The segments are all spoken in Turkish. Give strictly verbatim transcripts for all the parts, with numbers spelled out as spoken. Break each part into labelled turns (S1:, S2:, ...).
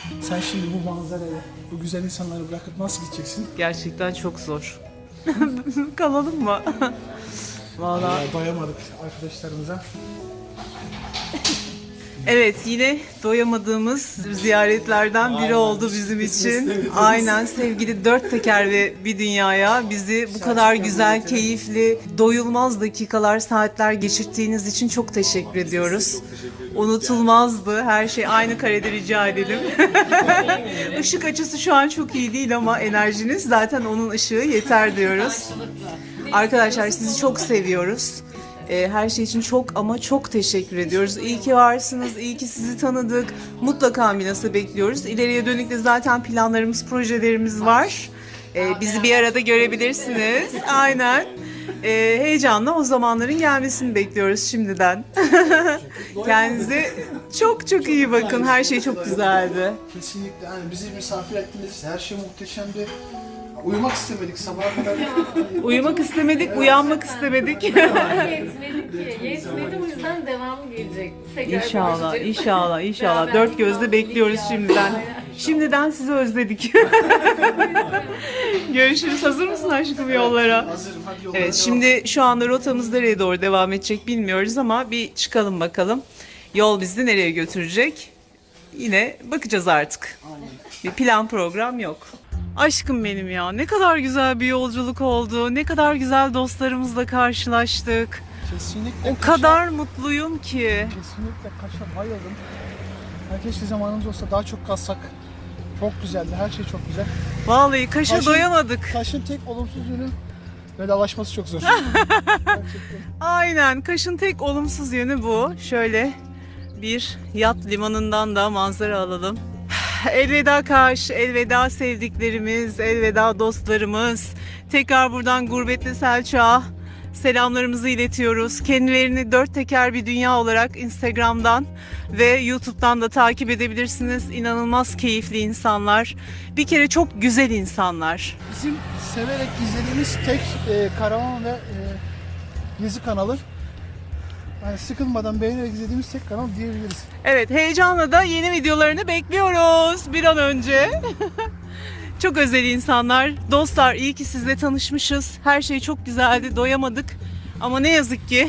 S1: Sen şimdi bu manzarayı, bu güzel insanları bırakıp nasıl gideceksin?
S2: Gerçekten çok zor. Kalalım mı? Vallahi.
S1: Vallahi doyamadık arkadaşlarımıza.
S2: Evet, yine doyamadığımız ziyaretlerden biri
S1: Aynen.
S2: oldu bizim için.
S1: Evet, evet.
S2: Aynen, sevgili dört teker ve bir dünyaya bizi bu kadar güzel, keyifli, doyulmaz dakikalar, saatler geçirttiğiniz için çok teşekkür ediyoruz. Unutulmazdı. Her şey aynı karede rica edelim. Işık açısı şu an çok iyi değil ama enerjiniz zaten onun ışığı yeter diyoruz. Arkadaşlar sizi çok seviyoruz. Her şey için çok ama çok teşekkür ediyoruz. İyi ki varsınız, iyi ki sizi tanıdık. Mutlaka Milas'ı bekliyoruz. İleriye dönük de zaten planlarımız, projelerimiz var. Bizi bir arada görebilirsiniz. Aynen. Heyecanla o zamanların gelmesini bekliyoruz şimdiden. Kendinize çok çok iyi bakın. Her şey çok güzeldi.
S1: Kesinlikle. Yani bizi misafir ettiniz. Her şey muhteşemdi. Uyumak istemedik sabaha kadar.
S2: Uyumak istemedik, uyanmak istemedik.
S3: Yetmedi ki. Yetmedi, o yüzden devamı gelecek. Tekrar
S2: İnşallah,
S3: konuşacağız.
S2: inşallah, inşallah.
S3: Beraber
S2: Dört gözle
S3: yolculuk
S2: bekliyoruz
S3: ya.
S2: şimdiden.
S3: Aynen.
S2: Şimdiden sizi özledik. Görüşürüz. Hazır mısın aşkım yollara?
S1: Hazırım. Hadi yollara
S2: Evet,
S1: devam.
S2: şimdi şu anda rotamız nereye doğru devam edecek bilmiyoruz ama bir çıkalım bakalım. Yol bizi nereye götürecek? Yine bakacağız artık. Bir plan program yok. Aşkım benim ya, ne kadar güzel bir yolculuk oldu. Ne kadar güzel dostlarımızla karşılaştık.
S1: Kesinlikle.
S2: O
S1: Kaş'a-
S2: kadar mutluyum ki.
S1: Kesinlikle Kaş'a bayıldım. Ya keşke zamanımız olsa daha çok kalsak. Çok güzeldi. Her şey çok güzel.
S2: Vallahi Kaş'a
S1: Kaş'ın-
S2: doyamadık.
S1: Kaş'ın tek olumsuz yönü vedalaşması çok zor. Gerçekten.
S2: Aynen, Kaş'ın tek olumsuz yönü bu. Şöyle bir yat limanından da manzara alalım. Elveda Kaş, elveda sevdiklerimiz, elveda dostlarımız. Tekrar buradan Gurbetli Selçuk'a selamlarımızı iletiyoruz. Kendilerini dört teker bir dünya olarak Instagram'dan ve YouTube'dan da takip edebilirsiniz. İnanılmaz keyifli insanlar. Bir kere çok güzel insanlar.
S1: Bizim severek izlediğimiz tek e, karavan ve e, gezi kanalı. Yani sıkılmadan beğenerek izlediğimiz tek kanal diyebiliriz.
S2: Evet, heyecanla da yeni videolarını bekliyoruz bir an önce. Çok özel insanlar. Dostlar, iyi ki sizle tanışmışız. Her şey çok güzeldi, doyamadık. Ama ne yazık ki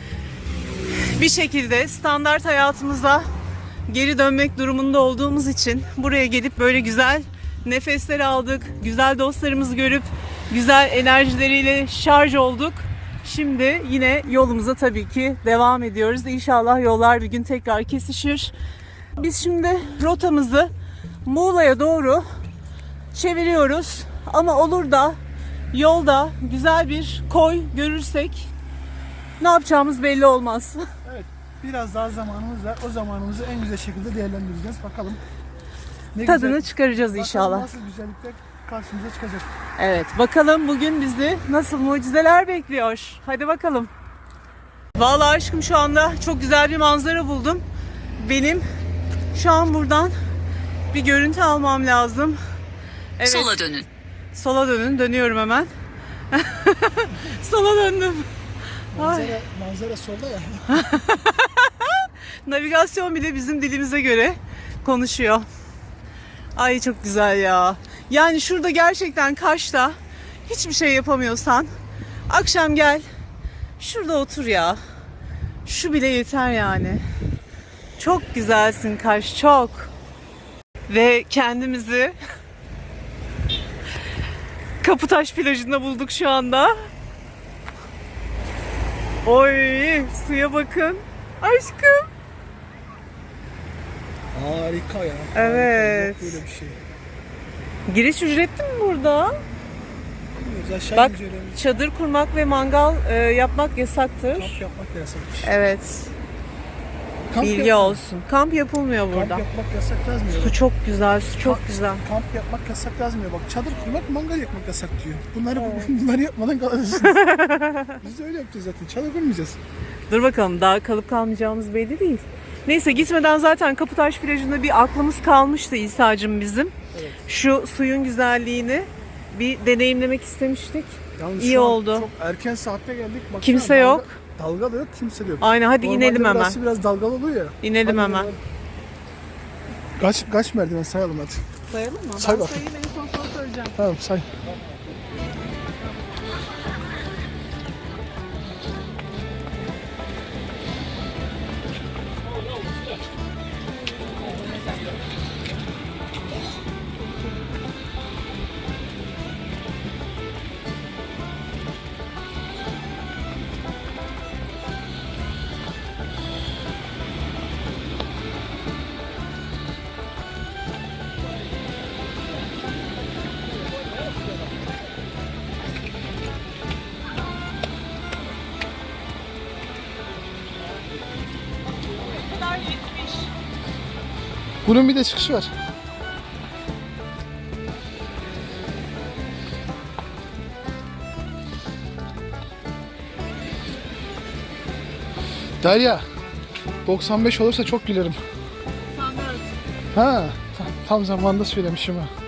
S2: bir şekilde standart hayatımıza geri dönmek durumunda olduğumuz için buraya gelip böyle güzel nefesler aldık. Güzel dostlarımızı görüp güzel enerjileriyle şarj olduk. Şimdi yine yolumuza tabii ki devam ediyoruz. İnşallah yollar bir gün tekrar kesişir. Biz şimdi rotamızı Muğla'ya doğru çeviriyoruz. Ama olur da yolda güzel bir koy görürsek ne yapacağımız belli olmaz.
S1: Evet, biraz daha zamanımız var. O zamanımızı en güzel şekilde değerlendireceğiz. Bakalım. Ne
S2: Tadını
S1: güzel-
S2: çıkaracağız
S1: bakalım
S2: inşallah.
S1: nasıl güzellikler karşımıza çıkacak.
S2: Evet, bakalım bugün bizi nasıl mucizeler bekliyor. Hadi bakalım. Vallahi aşkım şu anda çok güzel bir manzara buldum. Benim şu an buradan bir görüntü almam lazım. Evet.
S4: Sola dönün.
S2: Sola dönün. Dönüyorum hemen. Sola döndüm.
S1: Manzara, manzara solda ya.
S2: Navigasyon bile bizim dilimize göre konuşuyor. Ay çok güzel ya. Yani şurada gerçekten Kaş'ta hiçbir şey yapamıyorsan akşam gel şurada otur ya. Şu bile yeter yani. Çok güzelsin Kaş, çok. Ve kendimizi Kaputaş plajında bulduk şu anda. Oy, suya bakın. Aşkım.
S1: Harika ya.
S2: Evet.
S1: Harika. Yok böyle bir şey.
S2: Giriş ücretli mi burada?
S1: Bilmiyoruz. Aşağı
S2: Bak,
S1: inince öğreniriz.
S2: çadır kurmak ve mangal e, yapmak yasaktır.
S1: Kamp yapmak da yasakmış.
S2: Evet,
S1: Kamp
S2: bilgi
S1: yapmak-
S2: olsun. Kamp yapılmıyor
S1: Kamp
S2: burada.
S1: yapmak yasak yazmıyor.
S2: Su çok güzel, su çok
S1: Kamp-
S2: güzel.
S1: Kamp yapmak yasak yazmıyor. Bak çadır kurmak, mangal yakmak yasak diyor. Bunları bunları yapmadan kalırsınız. Biz de öyle yapacağız zaten. Çadır kurmayacağız.
S2: Dur bakalım, daha kalıp kalmayacağımız belli değil. Neyse, gitmeden zaten Kaputaş plajında bir aklımız kalmıştı İsa'cığım bizim.
S1: Evet.
S2: Şu suyun güzelliğini bir deneyimlemek istemiştik.
S1: Yalnız
S2: İyi
S1: şu an
S2: oldu.
S1: Çok erken saatte geldik. Baksana,
S2: Kimse
S1: dalga-
S2: yok.
S1: Dalga da yok, kimse de yok.
S2: Aynen, hadi
S1: Normalde
S2: inelim hemen.
S1: burası biraz dalgalı oluyor ya.
S2: İnelim
S1: Hadi
S2: hemen.
S1: inelim. Kaç kaç merdiven sayalım hadi.
S2: Sayalım mı?
S1: Say
S2: ben
S1: bakayım.
S2: sayayım en son sana söyleyeceğim.
S1: Tamam say.
S2: Bu kadar yetmiş.
S1: Bunun bir de çıkışı var. Derya, doksan beş olursa çok gülerim.
S2: Sanırım.
S1: Ha, ta- tam zamanında söylemişim ha.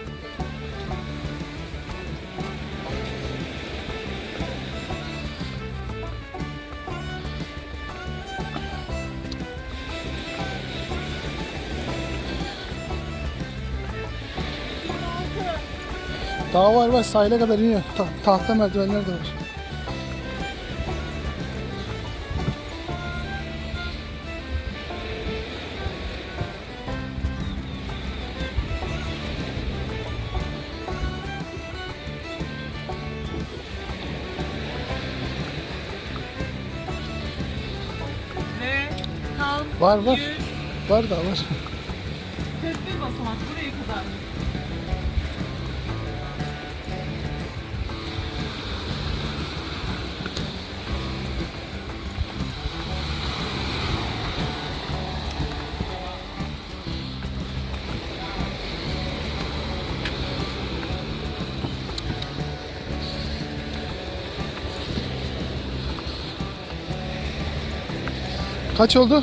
S1: Daha var var, sahile kadar iniyor. Ta- tahta merdivenler de var.
S2: Ve tam
S1: Var var.
S2: yüz
S1: Var da var.
S2: kırk bir basamak buraya kadar.
S1: Kaç oldu?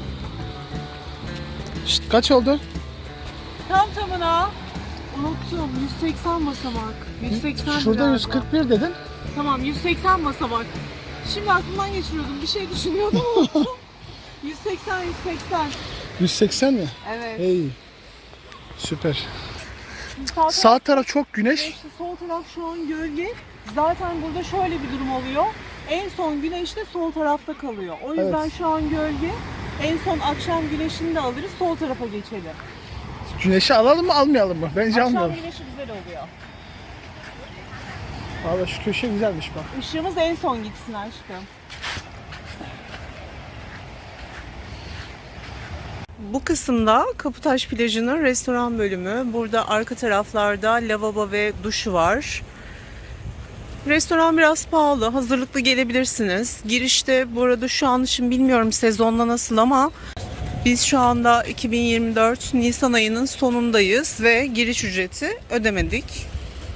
S1: Şşt, kaç oldu?
S2: Tam tamına unuttum. yüz seksen basamak. yüz seksen
S1: Şurada
S2: galiba.
S1: yüz kırk bir dedin.
S2: Tamam yüz seksen basamak. Şimdi aklımdan geçiriyordum. Bir şey düşünüyordum unuttum. yüz seksen yüz seksen.
S1: yüz seksen mi?
S2: Evet.
S1: Hey. Süper.
S2: Sağ taraf
S1: Sağ taraf çok güneş.
S2: güneşli, sol taraf şu an gölge. Zaten burada şöyle bir durum oluyor. En son güneş de sol tarafta kalıyor. O yüzden
S1: Evet.
S2: şu an gölge. En son akşam güneşini de alırız. Sol tarafa geçelim.
S1: Güneşi alalım mı almayalım mı? Bence
S2: Akşam
S1: almayalım.
S2: güneşi güzel oluyor.
S1: Valla şu köşe güzelmiş bak.
S2: Işığımız en son gitsin aşkım. Bu kısımda Kaputaş plajının restoran bölümü. Burada arka taraflarda lavabo ve duşu var. Restoran biraz pahalı. Hazırlıklı gelebilirsiniz. Girişte bu arada şu an için bilmiyorum sezonda nasıl ama biz şu anda iki bin yirmi dört Nisan ayının sonundayız ve giriş ücreti ödemedik.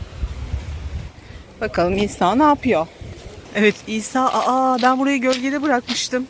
S2: Bakalım İsa ne yapıyor? Evet İsa, aa ben burayı gölgede bırakmıştım.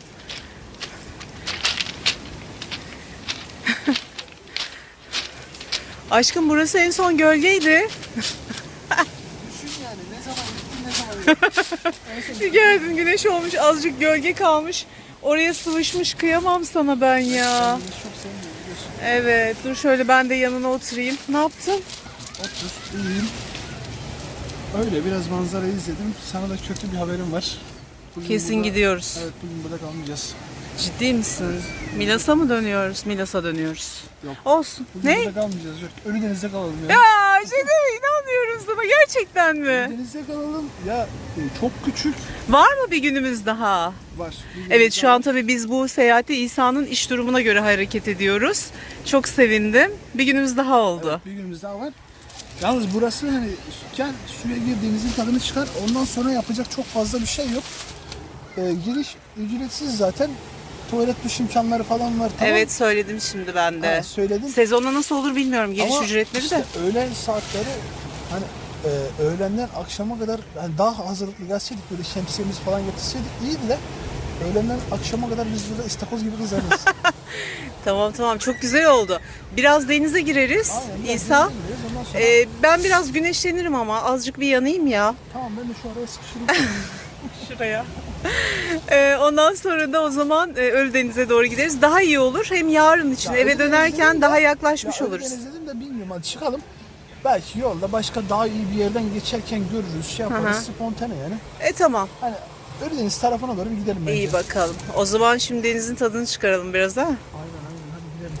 S2: Aşkım burası en son gölgeydi.
S1: Düşün yani ne zaman gittin ne zaman
S2: Bir geldin güneş olmuş azıcık gölge kalmış. Oraya sıvışmış kıyamam sana ben ya.
S1: Çok sevmiyorum biliyorsun.
S2: Evet dur şöyle ben de yanına oturayım. Ne yaptın?
S1: Otur, iyiyim. Öyle biraz manzarayı izledim. Sana da kötü bir haberim var. Bugün
S2: Kesin
S1: burada-
S2: gidiyoruz.
S1: Evet bugün burada kalmayacağız.
S2: Ciddi misin? Milas'a mı dönüyoruz? Milas'a dönüyoruz.
S1: Yok.
S2: Olsun.
S1: Bugün
S2: Ne?
S1: burada kalmayacağız. Yok. Ölüdeniz'de kalalım ya.
S2: Ya şey mi? İnanmıyorum sana gerçekten mi?
S1: Ölüdeniz'de kalalım. Ya e, çok küçük
S2: Var mı bir günümüz daha?
S1: var. Bir
S2: Evet
S1: günümüz
S2: şu
S1: daha
S2: an
S1: var.
S2: tabii biz bu seyahatte İsa'nın iş durumuna göre hareket ediyoruz. Çok sevindim. Bir günümüz daha oldu.
S1: Evet, bir günümüz daha var. Yalnız burası hani gel suya girdiğinizin tadını çıkar. Ondan sonra yapacak çok fazla bir şey yok. Ee, giriş ücretsiz zaten. Tuvalet duş imkanları falan var. Tamam.
S2: Evet söyledim şimdi ben de.
S1: Ha, söyledim.
S2: Sezonda nasıl olur bilmiyorum giriş
S1: Ama
S2: ücretleri
S1: işte
S2: de.
S1: öğlen saatleri hani e, öğlenden akşama kadar hani daha hazırlıklı gelseydik böyle şemsiyemiz falan getirseydik iyiydi de öğlenden akşama kadar biz burada istakoz gibi kızarız.
S2: Tamam tamam çok güzel oldu. Biraz denize gireriz
S1: Aynen, biraz
S2: İsa.
S1: denize gireriz, ondan sonra-
S2: Ee, ben biraz güneşlenirim ama azıcık bir yanayım ya.
S1: Tamam ben de şu araya sıkışırım.
S2: Şuraya. Ee, ondan sonra da o zaman e, Ölüdeniz'e doğru gideriz. Daha iyi olur. Hem yarın için eve
S1: Ölüdeniz'de
S2: dönerken
S1: de-
S2: daha yaklaşmış
S1: Ya
S2: oluruz.
S1: Ölüdeniz dedim de bilmiyorum, hadi çıkalım. Belki yolda başka daha iyi bir yerden geçerken görürüz, şey yaparız,
S2: Hı hı.
S1: spontane yani.
S2: E tamam.
S1: Hani Ölüdeniz tarafına doğru bir gidelim bence.
S2: İyi bakalım. O zaman şimdi denizin tadını çıkaralım biraz ha.
S1: Aynen aynen, hadi gidelim.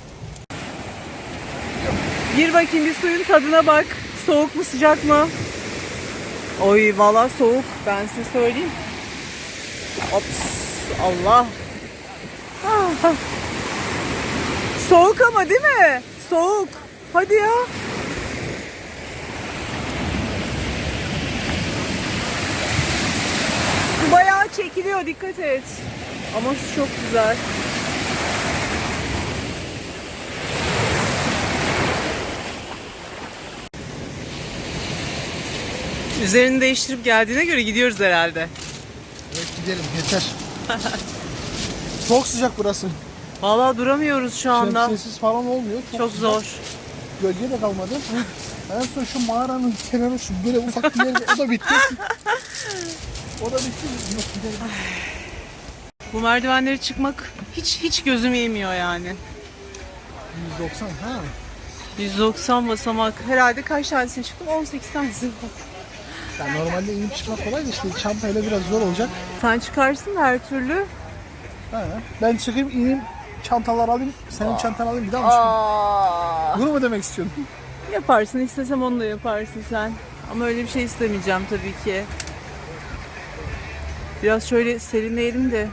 S2: Gir bakayım bir suyun tadına bak. Soğuk mu sıcak mı? Oy valla soğuk. Ben size söyleyeyim. Ops. Allah. Ah. Soğuk ama değil mi? Soğuk. Hadi ya. Su bayağı çekiliyor, dikkat et. Ama su çok güzel. Üzerini değiştirip geldiğine göre gidiyoruz herhalde.
S1: Evet gidelim, yeter. Çok sıcak burası.
S2: Vallahi duramıyoruz şu anda.
S1: Şemsiyesiz falan olmuyor.
S2: Çok
S1: sıcak.
S2: zor.
S1: Gölge de kalmadı. En son şu mağaranın kenarı, şu böyle ufak bir yer, o da bitti. O da bitti. Yok, gidelim.
S2: Bu merdivenleri çıkmak hiç hiç gözüm yemiyor yani.
S1: yüz doksan ha.
S2: yüz doksan basamak. Herhalde kaç tanesini çıktım? on sekiz tanesini.
S1: Ya normalde inip çıkmak kolay da işte çantayla biraz zor olacak.
S2: Sen çıkarsın da her türlü.
S1: Ha. Ben çıkayım, ineyim, çantalar alayım, senin çantanı alayım, bir daha mı çıkayım?
S2: Aa,
S1: Bunu mu demek istiyorsun?
S2: yaparsın, istesem onu da yaparsın sen. Ama öyle bir şey istemeyeceğim tabii ki. Biraz şöyle serinleyelim de.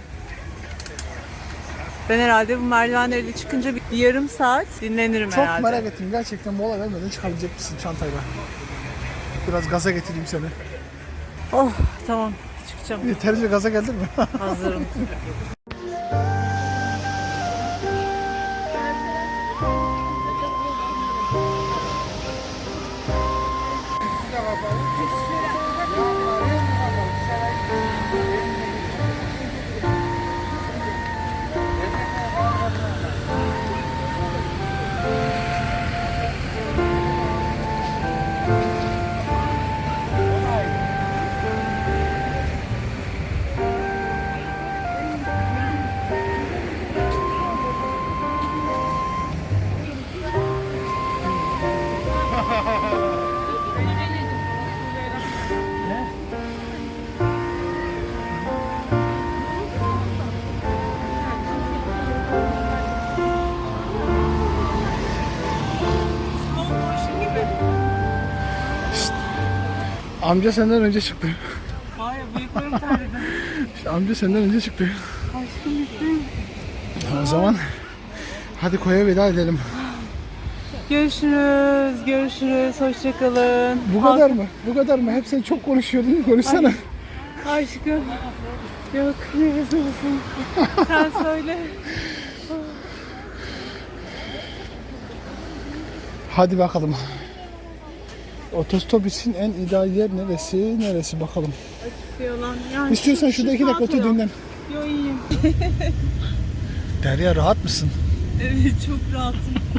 S2: Ben herhalde bu merdivenleri de çıkınca bir yarım saat dinlenirim
S1: Çok
S2: herhalde.
S1: merak ettim gerçekten, mola vermeden çıkabilecek misin çantayla? Biraz gaza getireyim seni.
S2: Oh tamam, çıkacağım.
S1: Yeterince gaza geldin mi?
S2: Hazırım.
S1: Amca senden önce çıktı.
S2: Vay bıyıklarım terledi.
S1: İşte amca senden önce çıktı.
S2: Aşkım bittim.
S1: O zaman hadi koya veda edelim.
S2: Görüşürüz, görüşürüz. Hoşçakalın.
S1: Bu kadar mı? Bu kadar mı? Hep sen çok konuşuyordun. Konuşsana.
S2: Aşkım. Yok, neresi olsun. Sen söyle.
S1: Hadi bakalım. Otostop için en ideal yer neresi? Neresi bakalım.
S2: Yalan. Yani
S1: İstiyorsan şurada iki dakika otur dinlen.
S2: Yo iyiyim.
S1: Derya, rahat mısın?
S2: Evet çok rahatım.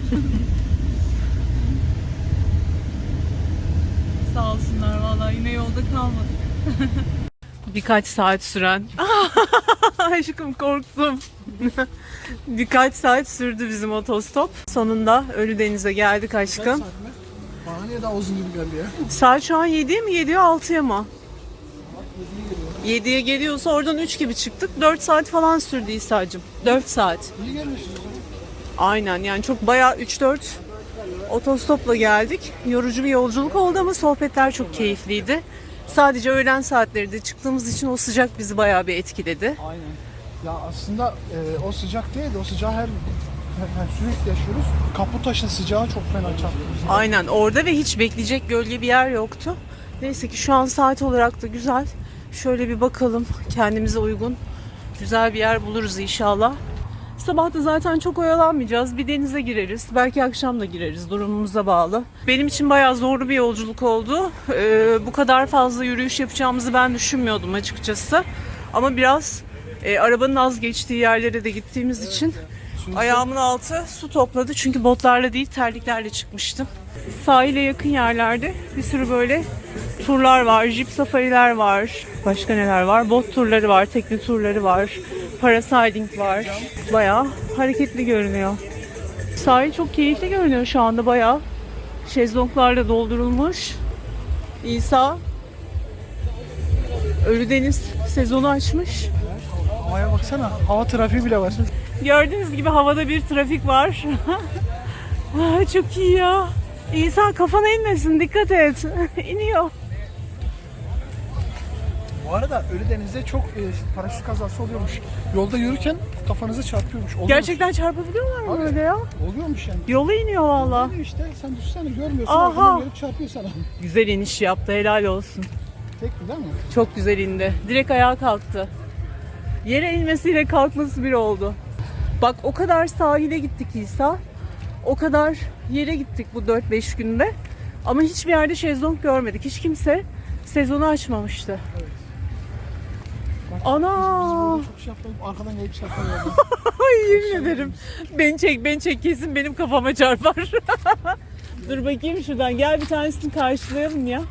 S2: Sağ olsunlar vallahi yine yolda kalmadık. Birkaç saat süren. Aşkım korktum. Birkaç saat sürdü bizim otostop. Sonunda Ölüdeniz'e geldik aşkım.
S1: Bana niye daha uzun gibi geldi ya?
S2: Saat şu an yediye mi geliyor altıya mı? yediye geliyorsa oradan üç gibi çıktık. dört saat falan sürdü İsa'cığım. dört saat.
S1: İyi gelmişiz o zaman.
S2: Aynen yani çok bayağı üç dört otostopla geldik. Yorucu bir yolculuk oldu ama sohbetler çok keyifliydi. Sadece öğlen saatleri de çıktığımız için o sıcak bizi bayağı bir etkiledi.
S1: Aynen. Ya aslında e, o sıcak değil de o sıcağı her, her, her sürekli yaşıyoruz. Kaputaş'ın sıcağı çok fena çarptı bizi.
S2: Aynen orada ve hiç bekleyecek gölge bir yer yoktu. Neyse ki şu an saat olarak da güzel. Şöyle bir bakalım kendimize uygun güzel bir yer buluruz inşallah. Sabah da zaten çok oyalanmayacağız. Bir denize gireriz. Belki akşam da gireriz. Durumumuza bağlı. Benim için bayağı zorlu bir yolculuk oldu. Ee, bu kadar fazla yürüyüş yapacağımızı ben düşünmüyordum açıkçası. Ama biraz e, arabanın az geçtiği yerlere de gittiğimiz için Ayağımın altı su topladı çünkü botlarla değil terliklerle çıkmıştım. Sahile yakın yerlerde bir sürü böyle turlar var, jeep safariler var. Başka neler var? Bot turları var, tekne turları var, parasailing var. Bayağı hareketli görünüyor. Sahil çok keyifli görünüyor şu anda bayağı. Şezlonglarla doldurulmuş. İsa Ölüdeniz sezonu açmış.
S1: Havaya baksana. Hava trafiği bile var.
S2: Gördüğünüz gibi havada bir trafik var. Ah, çok iyi ya. İsa kafana inmesin, dikkat et. İniyor.
S1: Bu arada Ölüdeniz'de çok e, paraşüt kazası oluyormuş. Yolda yürürken kafanızı çarpıyormuş. Oluyormuş.
S2: Gerçekten çarpabiliyorlar mı
S1: Abi,
S2: böyle ya?
S1: Oluyormuş yani.
S2: Yola iniyor valla.
S1: Oluyor işte sen düşsene görmüyorsun.
S2: Aha.
S1: Arkadan gelip çarpıyor sana.
S2: Güzel iniş yaptı, helal olsun.
S1: Tekli değil mi?
S2: Çok güzel indi. Direkt ayağa kalktı. Yere inmesiyle kalkması bir oldu. Bak o kadar sahile gittik İsa. O kadar yere gittik bu dört beş günde. Ama hiçbir yerde şezlong görmedik. Hiç kimse sezonu açmamıştı.
S1: Evet. Bak,
S2: Ana!
S1: Biz, biz çok şey yapalım. Arkadan gelip çarpıyorlar.
S2: Ay yemin ederim. Beni çek, beni çek kesin benim kafama çarpar. Dur bakayım şuradan. Gel bir tanesini karşılayalım ya.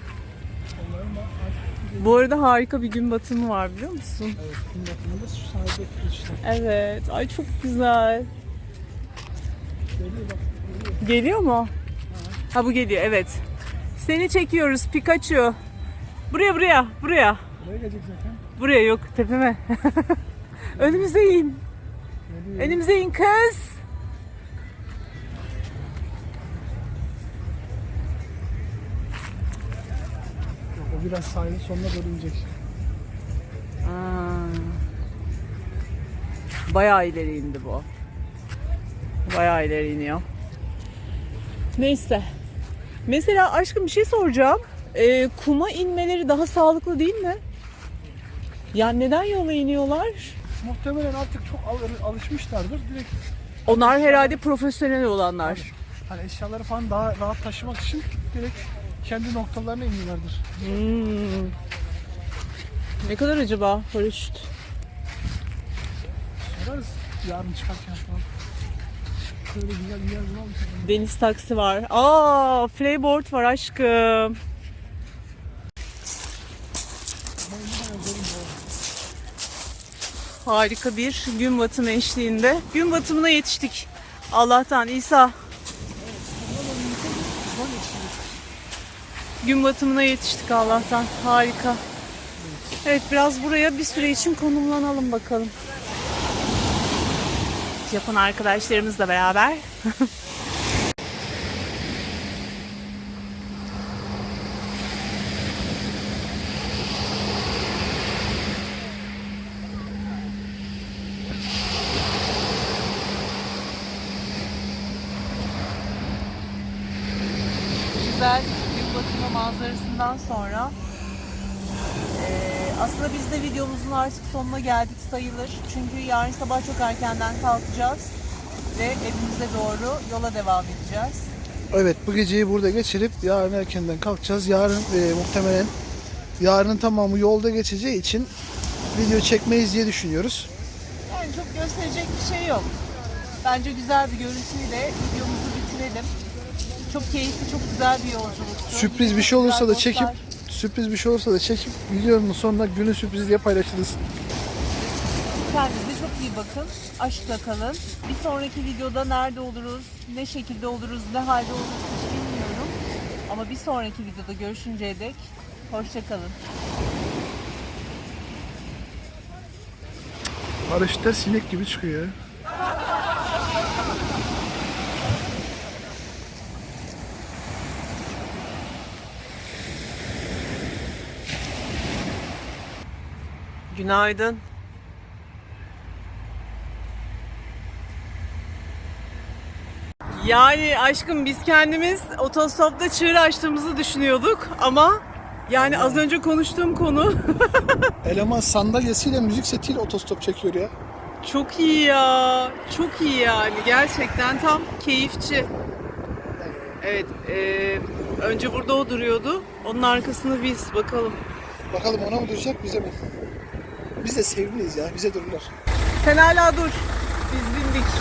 S2: Bu arada harika bir gün batımı var biliyor musun?
S1: Evet, gün batımında şu sahilde işte.
S2: Evet. Ay çok güzel.
S1: Geliyor bak. Geliyor.
S2: Geliyor mu? Ha bu geliyor evet. Seni çekiyoruz Pikachu. Buraya buraya buraya.
S1: Buraya gelecek zaten.
S2: Buraya yok tepeme. Önümüze in.
S1: Geliyor.
S2: Önümüze in kız.
S1: Yok, o biraz sahilin sonuna doğru inecek.
S2: Aa. Bayağı ileri indi bu. Bayağı ileri iniyor. Neyse. Mesela aşkım bir şey soracağım. Ee, kuma inmeleri daha sağlıklı değil mi? Yani neden yola iniyorlar?
S1: Muhtemelen artık çok al- alışmışlardır. Direkt
S2: Onlar herhalde profesyonel olanlar.
S1: hani eşyaları falan daha rahat taşımak için direkt kendi noktalarına iniyorlardır.
S2: Hmm. Ne kadar acaba paraşüt?
S1: Sorarız yarın çıkarken falan. Şöyle güzel bir yer bulalım.
S2: Deniz taksi var. Aa, flyboard var aşkım. Harika bir gün batımı eşliğinde. Gün batımına yetiştik. Allah'tan İsa. Gün batımına yetiştik Allah'tan. Harika. Evet biraz buraya bir süre için konumlanalım bakalım. Japon arkadaşlarımızla beraber. Güzel gün batımı manzarasından sonra Ee, aslında biz de videomuzun artık sonuna geldik sayılır. Çünkü yarın sabah çok erkenden kalkacağız ve evimize doğru yola devam edeceğiz.
S1: Evet, bu geceyi burada geçirip yarın erkenden kalkacağız. Yarın e, muhtemelen yarının tamamı yolda geçeceği için video çekmeyiz diye düşünüyoruz.
S2: Yani çok gösterecek bir şey yok. Bence güzel bir görüntüyle videomuzu bitirelim. Çok keyifli, çok güzel bir yolculuktu.
S1: Sürpriz bir şey olursa da
S2: Güzel
S1: çekip
S2: dostlar.
S1: sürpriz bir şey olursa da çekip videonun sonunda günün sürprizi diye paylaşırız.
S2: Kendinize çok iyi bakın. Aşkla kalın. Bir sonraki videoda nerede oluruz, ne şekilde oluruz, ne halde oluruz hiç bilmiyorum. Ama bir sonraki videoda görüşünceye dek hoşça kalın.
S1: Paraşütler sinek gibi çıkıyor ya.
S2: Günaydın. Yani aşkım biz kendimiz otostopta çığır açtığımızı düşünüyorduk ama yani az önce konuştuğum konu
S1: Eleman sandalyesiyle müzik setiyle otostop çekiyor ya.
S2: çok iyi ya. Çok iyi yani gerçekten tam keyifçi. Evet, e, önce burada o duruyordu. Onun arkasında biz bakalım.
S1: Bakalım ona mı duracak bize mi? Biz de sevimliyiz ya, bize dururlar.
S2: Sen hala dur.